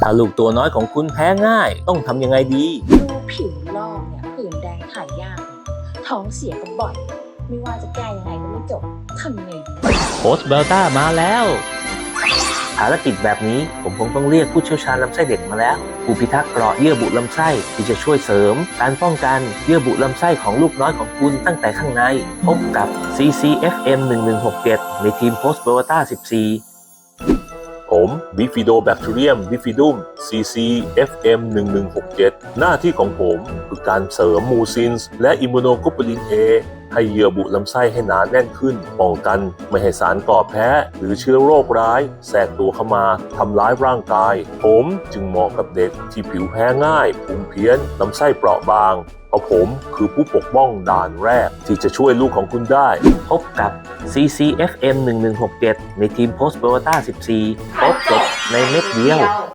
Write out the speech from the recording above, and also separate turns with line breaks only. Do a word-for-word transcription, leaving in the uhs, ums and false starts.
ถ้าลูกตัวน้อยของคุณแพ้ง่ายต้องทำยังไงดี
ดูผิวลอกเนี่ยผื่นแดงถ่ายยากเนี่ยท้องเสียก็บ่อย ไม่ว่าจะแก้ยังไงก็ไม่จบทำยังไงดี
โพสต์เบลต้ามาแล้วภารกิจแบบนี้ผมคงต้องเรียกผู้เชี่ยวชาญลำไส้เด็กมาแล้วผู้พิทักษ์เกราะเยื่อบุลำไส้ที่จะช่วยเสริมการป้องกันเยื่อบุลำไส้ของลูกน้อยของคุณตั้งแต่ข้างในพบกับ ซี ซี เอฟ เอ็ม หนึ่งหนึ่งหกเจ็ด ในทีมโพสต์เบลต้าสิบสี่ผมบิฟิโดแบคทีเรียมบิฟิดุม ซี ซี เอฟ เอ็ม หนึ่งหนึ่งหกเจ็ด หน้าที่ของผมคือการเสริมมูซินส์และอิมมูโนโกลบูลิน A ให้เยื่อบุลำไส้ให้หนาแน่นขึ้นป้องกันไม่ให้สารก่อแพ้หรือเชื้อโรคร้ายแทรกตัวเข้ามาทำร้ายร่างกายผมจึงเหมาะกับเด็กที่ผิวแพ้ง่ายภูมิเพี้ยนลำไส้เปราะบางเพราะผมคือผู้ปกป้องด่านแรกที่จะช่วยลูกของคุณได้พบกับ ซี ซี เอฟ เอ็ม หนึ่งหนึ่งหกเจ็ด ในทีมโพสต์เบลต้าสิบสี่ครบจบในเม็ดเดียว